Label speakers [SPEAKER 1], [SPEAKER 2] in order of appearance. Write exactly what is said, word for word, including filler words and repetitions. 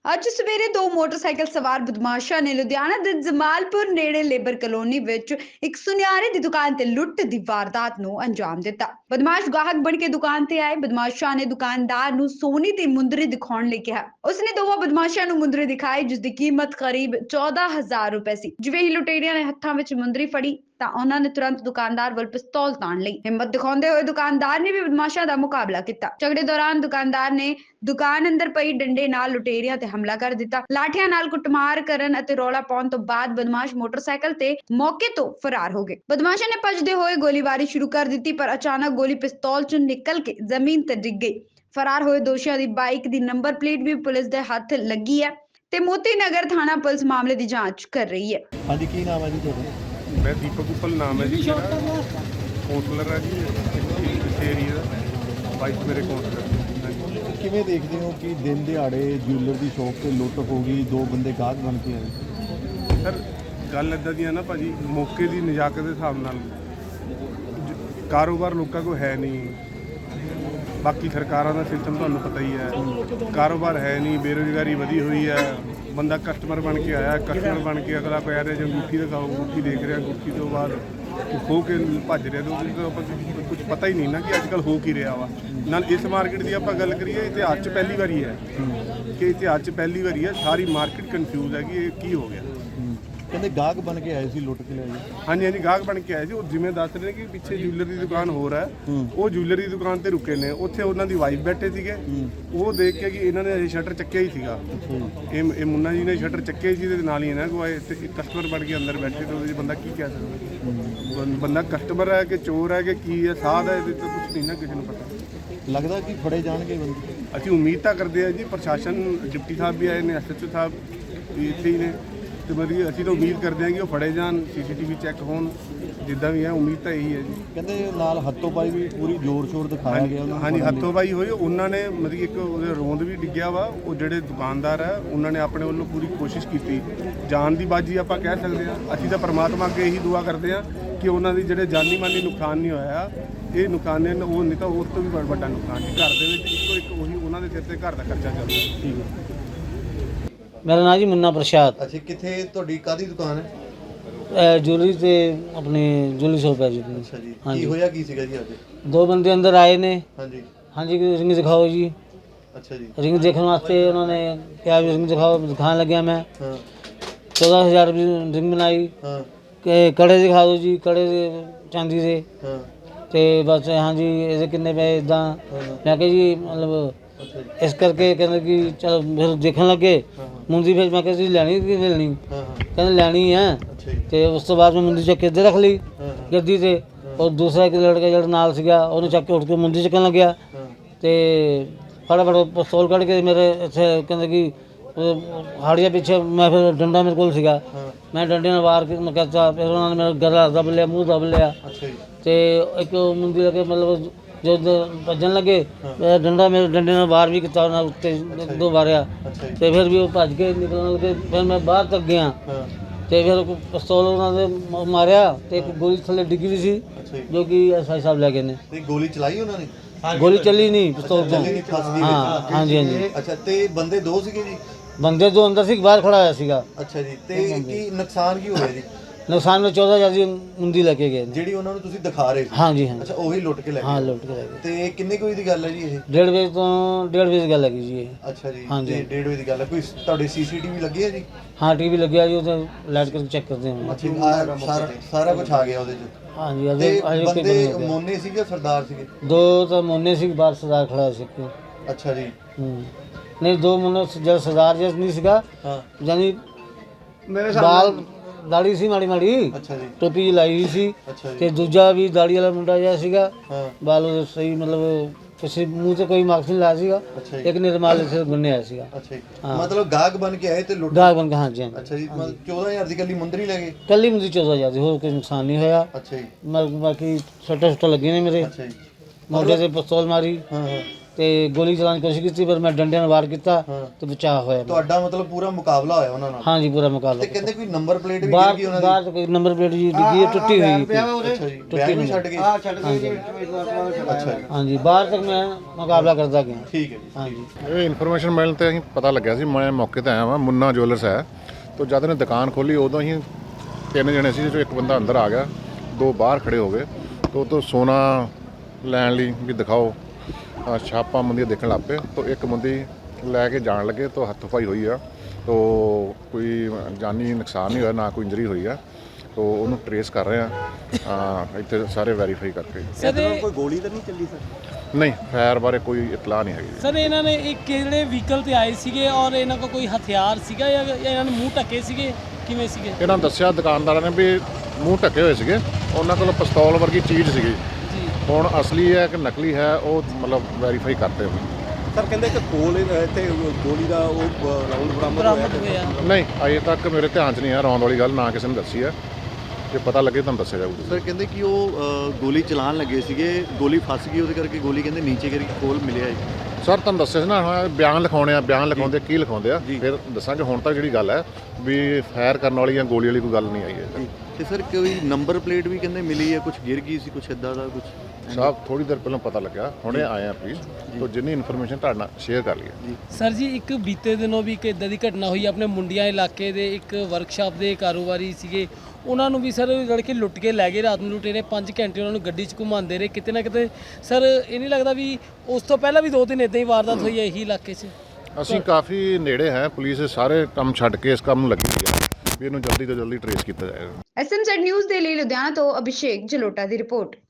[SPEAKER 1] ਅੱਜ ਸਵੇਰੇ ਦੋ ਮੋਟਰਸਾਈਕਲ ਸਵਾਰ ਬਦਮਾਸ਼ਾਂ ਨੇ ਲੁਧਿਆਣਾ ਦੇ ਜਮਾਲਪੁਰ ਨੇੜੇ ਲੇਬਰ ਕਲੋਨੀ ਵਿੱਚ ਇੱਕ ਸੁਨਿਆਰੇ ਦੀ ਦੁਕਾਨ ਤੇ ਲੁੱਟ ਦੀ ਵਾਰਦਾਤ ਨੂੰ ਅੰਜਾਮ ਦਿੱਤਾ। ਬਦਮਾਸ਼ ਗਾਹਕ ਬਣ ਕੇ ਦੁਕਾਨ ਤੇ ਆਏ। ਬਦਮਾਸ਼ਾਂ ਨੇ ਦੁਕਾਨਦਾਰ ਨੂੰ ਸੋਨੇ ਦੀ ਮੁੰਦਰੀ ਦਿਖਾਉਣ ਲਈ ਕਿਹਾ। ਉਸਨੇ ਦੋਵਾਂ ਬਦਮਾਸ਼ਾਂ ਨੂੰ ਮੁੰਦਰੀ ਦਿਖਾਈ, ਜਿਸ ਦੀ ਕੀਮਤ ਕਰੀਬ ਚੌਦਾਂ ਹਜ਼ਾਰ ਰੁਪਏ ਸੀ। ਜਿਵੇਂ ਹੀ ਲੁਟੇਰਿਆਂ ਨੇ ਹੱਥਾਂ ਵਿੱਚ ਮੁੰਦਰੀ ਫੜੀ ਤਾਂ ਉਹਨਾਂ ਨੇ ਤੁਰੰਤ ਦੁਕਾਨਦਾਰ ਵੱਲ ਪਿਸਤੌਲ ਤਾਣ ਲਈ। ਹਿੰਮਤ ਦਿਖਾਉਂਦੇ ਹੋਏ ਦੁਕਾਨਦਾਰ ਨੇ ਵੀ ਬਦਮਾਸ਼ਾਂ ਦਾ ਮੁਕਾਬਲਾ ਕੀਤਾ। ਝਗੜੇ ਦੌਰਾਨ ਦੁਕਾਨਦਾਰ ਨੇ ਦੁਕਾਨ ਅੰਦਰ ਪਈ ਡੰਡੇ ਨਾਲ ਲੁਟੇਰਿਆਂ ਤੇ ਹਮਲਾ ਕਰ ਦਿੱਤਾ। ਲਾਠੀਆਂ ਨਾਲ ਕੁੱਟਮਾਰ ਕਰਨ ਅਤੇ ਰੌਲਾ ਪਾਉਣ ਤੋਂ ਬਾਅਦ ਬਦਮਾਸ਼ ਮੋਟਰਸਾਈਕਲ ਤੇ ਮੌਕੇ ਤੋਂ ਫਰਾਰ ਹੋ ਗਏ। ਬਦਮਾਸ਼ਾਂ ਨੇ ਭੱਜਦੇ ਹੋਏ ਗੋਲੀਬਾਰੀ ਸ਼ੁਰੂ ਕਰ ਦਿੱਤੀ, ਪਰ ਅਚਾਨਕ ਗੋਲੀ ਪਿਸਤੌਲ ਚੋਂ ਨਿਕਲ ਕੇ ਜ਼ਮੀਨ ਤੇ ਡਿੱਗ ਗਈ। ਫਰਾਰ ਹੋਏ ਦੋਸ਼ੀਆਂ ਦੀ ਬਾਈਕ ਦੀ ਨੰਬਰ ਪਲੇਟ ਵੀ ਪੁਲਿਸ ਦੇ ਹੱਥ ਲੱਗੀ ਹੈ ਤੇ ਮੋਤੀ ਨਗਰ ਥਾਣਾ ਪੁਲਿਸ ਮਾਮਲੇ ਦੀ ਜਾਂਚ ਕਰ ਰਹੀ ਹੈ।
[SPEAKER 2] ਹਾਂਜੀ, ਕੀ ਨਾਮ ਹੈ ਜੀ ਤੁਹਾਡਾ?
[SPEAKER 3] मैं दीपक उपल नाम है जी मेरा, कौंसलर है जी इस एरिया का, वाइफ मेरे कौंसलर।
[SPEAKER 2] ਕਿਵੇਂ ਦੇਖਦੇ ਹੋ ਕਿ ਦਿਨ ਦਿਹਾੜੇ ਜਿਊਲਰ ਦੀ ਸ਼ੌਪ ਤੇ ਲੁੱਟ ਹੋ ਗਈ, ਦੋ ਬੰਦੇ ਗਾਹਕ ਬਣ ਕੇ ਆਏ?
[SPEAKER 3] ਸਰ ਗੱਲ ਇੱਦਾਂ ਦੀ ਹੈ ਨਾ ਭਾਜੀ, ਮੌਕੇ ਦੀ ਨਜ਼ਾਕਤ ਦੇ ਹਿਸਾਬ ਨਾਲ ਕਾਰੋਬਾਰ ਲੋਕਾਂ ਕੋਲ ਹੈ ਨਹੀਂ। ਬਾਕੀ ਸਰਕਾਰਾਂ ਦਾ ਸਿਸਟਮ ਤੁਹਾਨੂੰ ਪਤਾ ਹੀ ਹੈ, ਕਾਰੋਬਾਰ ਹੈ ਨਹੀਂ, ਬੇਰੁਜ਼ਗਾਰੀ ਵਧੀ ਹੋਈ ਹੈ। ਬੰਦਾ ਕਸਟਮਰ ਬਣ ਕੇ ਆਇਆ, ਕਸਟਮਰ ਬਣ ਕੇ ਅਗਲਾ ਕਹਿ ਰਿਹਾ ਜੇ ਅੰਗੂਠੀ ਦਿਖਾਓ, ਅੰਗੂਠੀ ਦੇਖ ਰਿਹਾ, ਅੰਗੂਠੀ ਤੋਂ ਬਾਅਦ ਹੋ ਕੇ ਭੱਜ ਰਿਹਾ। ਤਾਂ ਕੁਝ ਪਤਾ ਹੀ ਨਹੀਂ ਨਾ ਕਿ ਅੱਜ ਕੱਲ੍ਹ ਹੋ ਕੀ ਰਿਹਾ ਵਾ। ਨਾਲ ਇਸ ਮਾਰਕੀਟ ਦੀ ਆਪਾਂ ਗੱਲ ਕਰੀਏ, ਇਤਿਹਾਸ 'ਚ ਪਹਿਲੀ ਵਾਰੀ ਹੈ ਕਿ ਇਤਿਹਾਸ 'ਚ ਪਹਿਲੀ ਵਾਰੀ ਹੈ ਸਾਰੀ ਮਾਰਕੀਟ ਕਨਫਿਊਜ਼ ਹੈ ਕਿ ਇਹ ਕੀ ਹੋ ਗਿਆ।
[SPEAKER 2] ਕਹਿੰਦੇ ਗਾਹਕ ਬਣ ਕੇ ਆਏ ਸੀ, ਲੁੱਟ ਕੇ ਲੈ ਗਏ।
[SPEAKER 3] ਹਾਂਜੀ ਹਾਂਜੀ, ਗਾਹਕ ਬਣ ਕੇ ਆਏ ਸੀ। ਉਹ ਜਿਵੇਂ ਦੱਸ ਰਹੇ ਨੇ ਕਿ ਪਿੱਛੇ ਜਿਊਲਰ ਦੀ ਦੁਕਾਨ ਹੋਰ ਹੈ, ਉਹ ਜਿਊਲਰ ਦੀ ਦੁਕਾਨ ਤੇ ਰੁਕੇ ਨੇ। ਉੱਥੇ ਉਹਨਾਂ ਦੀ ਵਾਈਫ ਬੈਠੇ ਸੀਗੇ। ਉਹ ਦੇਖ ਕੇ ਕਿ ਇਹਨਾਂ ਨੇ ਅਜੇ ਸ਼ਟਰ ਚੱਕਿਆ ਹੀ ਸੀਗਾ, ਇਹ ਇਹ ਮੁੰਨਾ ਜੀ ਨੇ ਸ਼ਟਰ ਚੱਕਿਆ ਹੀ ਸੀ ਤੇ ਨਾਲ ਹੀ ਇਹਨਾਂ ਕੋਲ ਆਏ ਤੇ ਕਸਟਮਰ ਬਣ ਕੇ ਅੰਦਰ ਬੈਠੇ। ਤੇ ਉਹਦੇ 'ਚ ਬੰਦਾ ਕੀ ਕਹਿ ਸਕਦਾ? ਬੰਦਾ ਕਸਟਮਰ ਹੈ ਕਿ ਚੋਰ ਹੈ ਕਿ ਕੀ ਹੈ, ਸਾਧ ਹੈ, ਇਹਦੇ ਤਾਂ ਕੁਝ ਨਹੀਂ ਨਾ ਕਿਸੇ ਨੂੰ ਪਤਾ।
[SPEAKER 2] ਲੱਗਦਾ ਕਿ ਫੜੇ ਜਾਣਗੇ ਬੰਦੇ?
[SPEAKER 3] ਅਸੀਂ ਉਮੀਦ ਤਾਂ ਕਰਦੇ ਹਾਂ ਜੀ। ਪ੍ਰਸ਼ਾਸਨ, ਡਿਪਟੀ ਸਾਹਿਬ ਵੀ ਆਏ ਨੇ, ਐਸ ਐਚ ਓ ਸਾਹਿਬ ਵੀ ਇੱਥੇ ਹੀ ਨੇ, ਤੇ ਵਧੀਆ ਅਸੀਂ ਤਾਂ ਉਮੀਦ ਕਰਦੇ ਹਾਂ ਕਿ ਉਹ ਫੜੇ ਜਾਣ, ਸੀ ਸੀ ਟੀ ਵੀ ਚੈੱਕ ਹੋਣ, ਜਿੱਦਾਂ ਵੀ ਹੈ। ਉਮੀਦ ਤਾਂ ਇਹੀ ਹੈ ਜੀ।
[SPEAKER 2] ਕਹਿੰਦੇ ਨਾਲ ਹੱਥੋਂ ਪਾਈ ਵੀ ਪੂਰੀ ਜ਼ੋਰ ਸ਼ੋਰ ਦਿਖਾਇਆ ਗਿਆ ਉਹਨਾਂ ਨੂੰ।
[SPEAKER 3] ਹਾਂਜੀ, ਹੱਥੋਂ ਪਾਈ ਹੋਈ ਉਹਨਾਂ ਨੇ, ਮਤਲਬ ਇੱਕ ਉਹਦੇ ਰੋਂਦ ਵੀ ਡਿੱਗਿਆ ਵਾ। ਉਹ ਜਿਹੜੇ ਦੁਕਾਨਦਾਰ ਹੈ ਉਹਨਾਂ ਨੇ ਆਪਣੇ ਵੱਲੋਂ ਪੂਰੀ ਕੋਸ਼ਿਸ਼ ਕੀਤੀ। ਜਾਨ ਦੀ ਬਾਜੀ ਆਪਾਂ ਕਹਿ ਸਕਦੇ ਹਾਂ। ਅਸੀਂ ਤਾਂ ਪਰਮਾਤਮਾ ਅੱਗੇ ਇਹੀ ਦੁਆ ਕਰਦੇ ਹਾਂ ਕਿ ਉਹਨਾਂ ਦੀ ਜਿਹੜੇ ਜਾਨੀ ਮਾਲੀ ਨੁਕਸਾਨ ਨਹੀਂ ਹੋਇਆ। ਇਹ ਨੁਕਸਾਨ ਨੇ ਉਹ ਨਹੀਂ ਤਾਂ ਉਸ ਤੋਂ ਵੀ ਵੱਡਾ ਨੁਕਸਾਨ ਸੀ। ਘਰ ਦੇ ਵਿੱਚ ਇੱਕੋ ਇੱਕ ਉਹੀ ਉਹਨਾਂ ਦੇ ਸਿਰ ਤੇ ਘਰ ਦਾ ਖਰਚਾ ਚੱਲਦਾ।
[SPEAKER 2] ਠੀਕ ਹੈ।
[SPEAKER 4] मेरा नाम जी मुन्ना प्रसाद।
[SPEAKER 2] ਅੱਛਾ, ਕਿੱਥੇ ਤੁਹਾਡੀ ਕਾਹਦੀ ਦੁਕਾਨ ਹੈ?
[SPEAKER 4] ज्वेलरी से अपने ज्वेलरी शॉप है जी।
[SPEAKER 2] ਅੱਛਾ ਜੀ,
[SPEAKER 4] हाँ
[SPEAKER 2] ਕੀ
[SPEAKER 4] जी।
[SPEAKER 2] ਹੋਇਆ ਕੀ ਸੀਗਾ ਜੀ ਅੱਜ?
[SPEAKER 4] दो बंदे अंदर आए ने।
[SPEAKER 2] ਹਾਂਜੀ।
[SPEAKER 4] हाँ जी, रिंग दिखाओ जी।
[SPEAKER 2] ਅੱਛਾ ਜੀ।
[SPEAKER 4] रिंग देखने वास्ते उन्होंने क्या रिंग दिखाओ, दिखाने लगे मैं।
[SPEAKER 2] ਹਾਂ
[SPEAKER 4] चौदह हज़ार रुपये रिंग बनाई।
[SPEAKER 2] ਹਾਂ
[SPEAKER 4] के कड़े दिखा दो जी, कड़े दे चांदी दे।
[SPEAKER 2] ਹਾਂ।
[SPEAKER 4] ते बस हाँ जी, ये किन्ने पे इदा मैं कहा जी मतलब
[SPEAKER 2] ਅੱਛਾ ਜੀ।
[SPEAKER 4] इस करके कहते कि चलो फिर देखने लगे मुंदी। फिर मैं कहा जी लैनी कि नहीं लैनी?
[SPEAKER 2] ਹਾਂ ਹਾਂ।
[SPEAKER 4] कहते लैनी है।
[SPEAKER 2] ਅੱਛਾ ਜੀ।
[SPEAKER 4] ਤੇ ਉਸ ਤੋਂ ਬਾਅਦ ਮੈਂ ਮੁੰਦੀ ਚੱਕ ਕੇ ਇੱਧਰ ਰੱਖ ਲਈ
[SPEAKER 2] ਹਾਂ
[SPEAKER 4] ਗੱਦੀ ਤੇ। ਔਰ ਦੂਸਰਾ ਇੱਕ ਲੜਕਾ ਜਿਹੜਾ ਨਾਲ ਸੀਗਾ ਉਹਨੂੰ ਚੱਕ ਕੇ ਉੱਠ ਕੇ ਮੁੰਦੀ ਚੱਕਣ ਲੱਗਿਆ
[SPEAKER 2] ਹਾਂ।
[SPEAKER 4] ਤੇ ਫਟਾਫਟ ਪਿਸਤੌਲ ਕੱਢ ਕੇ ਮੇਰੇ ਇੱਥੇ ਕਹਿੰਦੇ ਕਿ ਹਾੜੀਆਂ ਪਿੱਛੇ। ਮੈਂ ਫਿਰ ਡੰਡਾ ਮੇਰੇ ਕੋਲ ਸੀਗਾ,
[SPEAKER 2] ਹਾਂ।
[SPEAKER 4] ਮੈਂ ਡੰਡੇ ਨਾਲ ਵਾਰ ਕੇ ਮੈਂ ਕਹਿੰਦਾ। ਫਿਰ ਉਹਨਾਂ ਨੇ ਮੇਰਾ ਗਲਾ ਦਬ ਲਿਆ, ਮੂੰਹ ਦਬ ਲਿਆ
[SPEAKER 2] ਅੱਛਾ ਜੀ।
[SPEAKER 4] ਤੇ ਇੱਕ ਮੁੰਦੀ ਲੱਗੇ ਮਤਲਬ ਜਦੋਂ ਭੱਜਣ ਲੱਗੇ ਮੇਰਾ ਡੰਡਾ ਮੇਰੇ ਡੰਡੇ ਨਾਲ ਵਾਰ ਵੀ ਕੀਤਾ ਉਹਨਾਂ ਉੱਤੇ ਦੋ ਵਾਰਿਆ।
[SPEAKER 2] ਅੱਛਾ ਜੀ।
[SPEAKER 4] ਤੇ ਫਿਰ ਵੀ ਉਹ ਭੱਜ ਕੇ ਨਿਕਲਣ ਲੱਗੇ। ਫਿਰ ਮੈਂ ਬਾਹਰ ਤੱਕ ਗਿਆ
[SPEAKER 2] ਹਾਂ।
[SPEAKER 4] ਤੇ ਫਿਰ ਪਿਸਤੌਲ ਉਹਨਾਂ ਦੇ ਮ- ਮਾਰਿਆ ਤੇ ਇੱਕ ਗੋਲੀ ਥੱਲੇ ਡਿੱਗੀ ਵੀ ਸੀ
[SPEAKER 2] ਅੱਛਾ ਜੀ।
[SPEAKER 4] ਜੋ ਕਿ ਐਸ ਆਈ ਸਾਹਿਬ ਲੈ ਗਏ ਨੇ।
[SPEAKER 2] ਤੇ ਗੋਲੀ ਚਲਾਈ ਉਹਨਾਂ ਨੇ?
[SPEAKER 4] ਗੋਲੀ ਚੱਲੀ ਨਹੀਂ ਪਿਸਤੌਲ ਤੋਂ।
[SPEAKER 2] ਚੱਲੀ ਨਹੀਂ, ਫਸ ਗਈ
[SPEAKER 4] ਹਾਂ
[SPEAKER 2] ਵਿੱਚ।
[SPEAKER 4] ਹਾਂਜੀ ਹਾਂਜੀ।
[SPEAKER 2] ਅੱਛਾ, ਤੇ ਬੰਦੇ ਦੋ ਸੀਗੇ ਜੀ?
[SPEAKER 4] ਬੰਦੇ ਤੋਂ ਅੰਦਰ ਸੀ, ਬਾਹਰ ਖੜਾ ਹੋਇਆ ਸੀਗਾ।
[SPEAKER 2] ਅੱਛਾ ਜੀ। ਤੇ ਕੀ ਨੁਕਸਾਨ ਕੀ ਹੋਇਆ ਜੀ?
[SPEAKER 4] ਨੁਕਸਾਨ ਵਿੱਚ ਚੌਦਾਂ ਹਜ਼ਾਰ ਦੀ ਮੁੰਦੀ ਲੈ ਕੇ ਗਏ ਨੇ।
[SPEAKER 2] ਜਿਹੜੀ ਉਹਨਾਂ ਨੂੰ ਤੁਸੀਂ ਦਿਖਾ ਰਹੇ ਸੀ?
[SPEAKER 4] ਹਾਂਜੀ ਹਾਂਜੀ।
[SPEAKER 2] ਅੱਛਾ, ਉਹੀ ਲੁੱਟ ਕੇ ਲੈ
[SPEAKER 4] ਹਾਂ
[SPEAKER 2] ਗਏ?
[SPEAKER 4] ਲੁੱਟ ਕੇ ਲੈ ਗਏ।
[SPEAKER 2] ਤੇ ਕਿੰਨੇ ਕੋਈ ਦੀ ਗੱਲ ਹੈ ਜੀ ਇਹ?
[SPEAKER 4] ਡੇਢ ਵਜੇ ਤੋਂ ਡੇਢ ਵਜੇ ਦੀ ਗੱਲ ਹੈਗੀ ਜੀ ਇਹ।
[SPEAKER 2] ਅੱਛਾ ਜੀ।
[SPEAKER 4] ਹਾਂਜੀ।
[SPEAKER 2] ਤੇ ਡੇਢ ਵਜੇ ਦੀ ਗੱਲ ਹੈ। ਕੋਈ ਤੁਹਾਡੇ ਸੀਸੀਟੀਵੀ ਲੱਗੀ ਹੈ ਜੀ?
[SPEAKER 4] ਹਾਂ ਟੀਵੀ ਲੱਗਿਆ ਜੀ, ਉਹਦੇ ਲਾਈਟ ਕਰਕੇ ਚੈੱਕ ਕਰਦੇ ਹਾਂ।
[SPEAKER 2] ਅੱਛਾ, ਆਹ ਸਾਰਾ ਸਾਰਾ ਕੁਝ ਆ ਗਿਆ ਉਹਦੇ ਚ?
[SPEAKER 4] ਹਾਂਜੀ
[SPEAKER 2] ਤੇ
[SPEAKER 4] ਅਜੇ ਅਜੇ ਕੋਈ
[SPEAKER 2] ਬੰਦੇ
[SPEAKER 4] ਬੰਦੇ
[SPEAKER 2] ਮੋਨੇ ਸੀਗੇ ਸਰਦਾਰ ਸੀਗੇ?
[SPEAKER 4] ਦੋ ਤਾਂ ਮੋਨੇ ਸੀ, ਬਾਹਰ ਸਰਦਾਰ ਖੜਾ ਸੀ ਇੱਕ।
[SPEAKER 2] ਅੱਛਾ ਜੀ।
[SPEAKER 4] ਹੂੰ ਨਹੀਂ, ਦੋ ਮੋਨੇ ਜਿਹੜਾ ਸਰਦਾਰ ਜਿਹਾ ਨਹੀਂ ਸੀਗਾ,
[SPEAKER 2] ਹਾਂ।
[SPEAKER 4] ਯਾਨੀ
[SPEAKER 3] ਮੇਰੇ
[SPEAKER 4] ਬਾਲ ਦਾੜੀ ਸੀ ਮਾੜੀ ਮਾੜੀ,
[SPEAKER 2] ਅੱਛਾ ਜੀ।
[SPEAKER 4] ਟੋਪੀ ਜਿਹੀ ਲਾਈ ਹੋਈ ਸੀ।
[SPEAKER 2] ਅੱਛਾ ਜੀ।
[SPEAKER 4] ਤੇ ਦੂਜਾ ਵੀ ਦਾੜੀ ਵਾਲਾ ਮੁੰਡਾ ਜਿਹਾ ਸੀਗਾ,
[SPEAKER 2] ਹਾਂ।
[SPEAKER 4] ਬਾਲ ਉਹਦੇ ਸਹੀ ਮਤਲਬ ਕਿਸੇ ਮੂੰਹ ਤੇ ਕੋਈ ਮਾਸਕ ਨਹੀਂ ਲਾਇਆ ਸੀਗਾ।
[SPEAKER 2] ਅੱਛਾ ਜੀ।
[SPEAKER 4] ਇੱਕ ਨੇ ਰੁਮਾਲ ਇੱਥੇ ਬੰਨਿਆ ਸੀਗਾ।
[SPEAKER 2] ਅੱਛਾ ਜੀ।
[SPEAKER 4] ਹਾਂ।
[SPEAKER 2] ਮਤਲਬ ਗਾਹਕ ਬਣ ਕੇ ਆਏ ਤੇ ਲੁੱਟ?
[SPEAKER 4] ਗਾਹਕ ਬਣ ਕੇ ਹਾਂਜੀ ਹਾਂਜੀ।
[SPEAKER 2] ਅੱਛਾ ਜੀ। ਮਤਲਬ ਚੌਦਾਂ ਹਜ਼ਾਰ ਦੀ ਕੱਲੀ ਮੁੰਦਰੀ ਲੈ ਗਏ?
[SPEAKER 4] ਕੱਲੀ ਮੁੰਦੀ ਚੌਦਾਂ ਹਜ਼ਾਰ ਦੀ, ਹੋਰ ਕੋਈ ਨੁਕਸਾਨ ਨਹੀਂ ਹੋਇਆ।
[SPEAKER 2] ਅੱਛਾ ਜੀ।
[SPEAKER 4] ਮਾ- ਬਾਕੀ ਸੱਟਾਂ ਸੁੱਟਾਂ ਲੱਗੀਆਂ ਨੇ ਮੇਰੇ।
[SPEAKER 2] ਅੱਛਾ ਜੀ।
[SPEAKER 4] ਮੋਢੇ ਤੇ ਪਿਸਤੌਲ ਮਾਰੀ
[SPEAKER 2] ਹਾਂ ਹਾਂ।
[SPEAKER 4] ਤੇ ਗੋਲੀ ਚਲਾਉਣ ਦੀ ਕੋਸ਼ਿਸ਼ ਕੀਤੀ ਪਰ ਮੈਂ ਡੰਡੇ ਨਾਲ ਵਾਰ ਕੀਤਾ
[SPEAKER 2] ਹਾਂ।
[SPEAKER 4] ਤੇ ਬਚਾਅ ਹੋਇਆ।
[SPEAKER 2] ਤੁਹਾਡਾ ਮਤਲਬ ਪੂਰਾ ਮੁਕਾਬਲਾ ਹੋਇਆ ਉਹਨਾਂ ਨਾਲ?
[SPEAKER 4] ਹਾਂਜੀ ਪੂਰਾ ਮੁਕਾਬਲਾ
[SPEAKER 2] ਤੇ ਕਹਿੰਦੇ ਕੋਈ ਨੰਬਰ ਪਲੇਟ ਵੀ
[SPEAKER 4] ਬਾਹਰ
[SPEAKER 2] ਗਿਰ ਗਈ ਉਹਨਾਂ ਦੀ?
[SPEAKER 4] ਬਾਹਰ ਤੋਂ ਕੋਈ ਨੰਬਰ ਪਲੇਟ ਜੀ ਡਿੱਗੀ ਹੈ, ਟੁੱਟੀ ਹੋਈ ਸੀ।
[SPEAKER 2] ਅੱਛਾ ਜੀ, ਬੈਗ ਵੀ ਛੱਡ ਗਏ?
[SPEAKER 4] ਹਾਂਜੀ
[SPEAKER 2] ਅੱਛਾ ਜੀ,
[SPEAKER 4] ਹਾਂਜੀ ਬਾਹਰ ਤੱਕ ਮੈਂ ਮੁਕਾਬਲਾ ਕਰਦਾ ਗਿਆ।
[SPEAKER 2] ਠੀਕ ਹੈ ਜੀ।
[SPEAKER 4] ਹਾਂਜੀ
[SPEAKER 5] ਇਹ ਇਨਫੋਰਮੇਸ਼ਨ ਮਿਲਣ ਤੇ ਅਸੀਂ ਪਤਾ ਲੱਗਿਆ ਸੀ। ਮੈਂ ਮੌਕੇ ਤੇ ਆਇਆ ਵਾਂ, ਮੁੰਨਾ ਜੁਐਲਰਸ ਹੈ। ਤੋਂ ਜਦ ਇਹਨੇ ਦੁਕਾਨ ਖੋਲੀ ਉਦੋਂ ਹੀ ਤਿੰਨ ਜਣੇ ਸੀ, ਜੋ ਇੱਕ ਬੰਦਾ ਅੰਦਰ ਆ ਗਿਆ, ਦੋ ਬਾਹਰ ਖੜੇ ਹੋ ਗਏ। ਤੋਂ ਉਹ ਤੋਂ ਸੋਨਾ ਲੈਣ ਲਈ ਵੀ ਦਿਖਾਓ, ਅਹ ਛਾਪਾਂ ਮੁੰਦੀਆਂ ਦੇਖਣ ਲੱਗ ਪਏ। ਤੋਂ ਇੱਕ ਮੁੰਦੀ ਲੈ ਕੇ ਜਾਣ ਲੱਗੇ ਤੋਂ ਹੱਥ-ਪਾਈ ਹੋਈ ਆ। ਤੋਂ ਕੋਈ ਜਾਨੀ ਨੁਕਸਾਨ ਨਹੀਂ ਹੋਇਆ, ਨਾ ਕੋਈ ਇੰਜਰੀ ਹੋਈ ਆ। ਤੋਂ ਉਹਨੂੰ ਟਰੇਸ ਕਰ ਰਹੇ ਆ, ਅਹ ਇੱਥੇ ਸਾਰੇ ਵੈਰੀਫਾਈ ਕਰਕੇ।
[SPEAKER 6] ਸਰ ਇਹ-
[SPEAKER 2] ਕੋਈ ਗੋਲੀ ਤਾਂ ਨਹੀਂ ਚੱਲੀ ਸਰ?
[SPEAKER 5] ਨਹੀਂ, ਫਾਇਰ ਬਾਰੇ ਕੋਈ ਇਤਲਾਹ ਨਹੀਂ ਹੈਗੀ।
[SPEAKER 6] ਸਰ ਇਹਨਾਂ ਨੇ ਇੱਕ ਕਿਹੜੇ ਵਹੀਕਲ ਤੇ ਆਏ ਸੀਗੇ ਔਰ ਇਹਨਾਂ ਕੋਲ ਕੋਈ ਹਥਿਆਰ ਸੀਗਾ ਜਾਂ ਜਾਂ ਇਹਨਾਂ ਨੇ ਮੂੰਹ ਢੱਕੇ ਸੀਗੇ, ਕਿਵੇਂ ਸੀਗੇ?
[SPEAKER 5] ਇਹਨਾਂ ਦੱਸਿਆ ਦੁਕਾਨਦਾਰਾਂ ਨੇ ਵੀ ਮੂੰਹ ਢੱਕੇ ਹੋਏ ਸੀਗੇ, ਉਹਨਾਂ ਕੋਲ ਪਿਸਤੌਲ ਵਰਗੀ ਚੀਜ਼ ਸੀਗੀ।
[SPEAKER 6] ਜੀ
[SPEAKER 5] ਹੁਣ ਅਸਲੀ ਹੈ ਕਿ ਨਕਲੀ ਹੈ ਉਹ ਮਤਲਬ ਵੈਰੀਫਾਈ ਕਰਦੇ ਹੋਏ।
[SPEAKER 2] ਸਰ ਕਹਿੰਦੇ ਕਿ ਕੋਲ ਇੱਥੇ ਗੋਲੀ ਦਾ ਉਹ ਰਾਉਂਡ
[SPEAKER 6] ਬਰਾਮਦ ਹੋਇਆ।
[SPEAKER 5] ਨਹੀਂ, ਅਜੇ ਤੱਕ ਮੇਰੇ ਧਿਆਨ 'ਚ ਨਹੀਂ ਆ ਰੌਂਦ ਵਾਲੀ ਗੱਲ, ਨਾ ਕਿਸੇ ਨੇ ਦੱਸੀ ਹੈ। ਜੇ ਪਤਾ ਲੱਗੇ ਤੁਹਾਨੂੰ ਦੱਸਿਆ ਜਾਊਗਾ।
[SPEAKER 2] ਸਰ ਕਹਿੰਦੇ ਕਿ ਉਹ ਅ, ਗੋਲੀ ਚਲਾਉਣ ਲੱਗੇ ਸੀਗੇ, ਗੋਲੀ ਫਸ ਗਈ, ਉਹਦੇ ਕਰਕੇ ਗੋਲੀ ਕਹਿੰਦੇ ਨੀਚੇ ਗਿਰ ਕੇ ਕੋਲ ਮਿਲਿਆ ਜੀ।
[SPEAKER 5] ਸਰ ਤੁਹਾਨੂੰ ਦੱਸਿਆ ਸੀ ਨਾ, ਹੁਣ ਬਿਆਨ ਲਿਖਾਉਣੇ ਆ, ਬਿਆਨ ਲਿਖਾਉਂਦੇ ਕੀ ਲਿਖਾਉਂਦੇ ਆ,
[SPEAKER 2] ਜੀ।
[SPEAKER 5] ਫਿਰ ਦੱਸਾਂਗੇ। ਹੁਣ ਤੱਕ ਜਿਹੜੀ ਗੱਲ ਹੈ ਵੀ ਫਾਇਰ ਕਰਨ ਵਾਲੀ ਜਾਂ ਗੋਲੀ ਵਾਲੀ ਕੋਈ ਗੱਲ ਨਹੀਂ ਆਈ ਹੈ।
[SPEAKER 2] ਜੀ ਤੇ ਸਰ ਕੋਈ ਨੰਬਰ ਪਲੇਟ ਵੀ ਕਹਿੰਦੇ ਮਿਲੀ ਹੈ, ਕੁਝ ਗਿਰ ਗਈ ਸੀ, ਕੁਝ ਇਦਾਂ ਦਾ ਕੁਝ?
[SPEAKER 5] ਸਾਹਿਬ ਥੋੜੀ ਦੇਰ ਪਹਿਲਾਂ ਪਤਾ ਲੱਗਿਆ, ਹੁਣੇ ਆਏ ਆ ਪਲੀਜ਼, ਤੋਂ ਜਿੰਨੀ ਇਨਫੋਰਮੇਸ਼ਨ ਤੁਹਾਡੇ ਨਾਲ ਸ਼ੇਅਰ ਕਰ ਲਈਏ।
[SPEAKER 6] ਸਰ ਜੀ ਇੱਕ ਬੀਤੇ ਦਿਨੋਂ ਵੀ ਇੱਕ ਇਦਾਂ ਦੀ ਘਟਨਾ ਹੋਈ ਆਪਣੇ ਮੁੰਡਿਆਂ ਇਲਾਕੇ ਦੇ, ਇੱਕ ਵਰਕਸ਼ਾਪ ਦੇ ਕਾਰੋਬਾਰੀ ਸੀਗੇ, ਉਹਨਾਂ ਨੂੰ ਵੀ ਸਰ ਲੜਕੇ ਲੁੱਟ ਕੇ ਲੈ ਗਏ। ਰਾਤ ਨੂੰ ਲੁਟੇਰੇ ਪੰਜ ਘੰਟੇ ਉਹਨਾਂ ਨੂੰ ਗੱਡੀ 'ਚ ਘੁਮਾਉਂਦੇ ਰਹੇ। ਕਿਤੇ ਨਾ ਕਿਤੇ ਸਰ ਇਹ ਨਹੀਂ ਲੱਗਦਾ ਵੀ ਉਸ ਤੋਂ ਪਹਿਲਾਂ ਵੀ ਦੋ ਤਿੰਨ ਇਦਾਂ ਹੀ ਵਾਰਦਾਤ ਹੋਈ ਹੈ ਇਹੀ ਇਲਾਕੇ 'ਚ?
[SPEAKER 5] ਅਸੀਂ ਕਾਫੀ ਨੇੜੇ ਹੈ, ਪੁਲਿਸ ਸਾਰੇ ਕੰਮ ਛੱਡ ਕੇ ਇਸ ਕੰਮ ਨੂੰ ਲੱਗੀ ਹੋਈ ਹੈ ਵੀ ਇਹਨੂੰ ਜਲਦੀ ਤੋਂ ਜਲਦੀ ਟਰੇਸ ਕੀਤਾ ਜਾਏਗਾ।
[SPEAKER 1] ਐਸਐਮਜ਼ੈਡ ਨਿਊਜ਼ ਦੇ ਲਈ ਲੁਧਿਆਣਾ ਤੋਂ ਅਭਿਸ਼ੇਕ ਜਲੋਟਾ ਦੀ ਰਿਪੋਰਟ।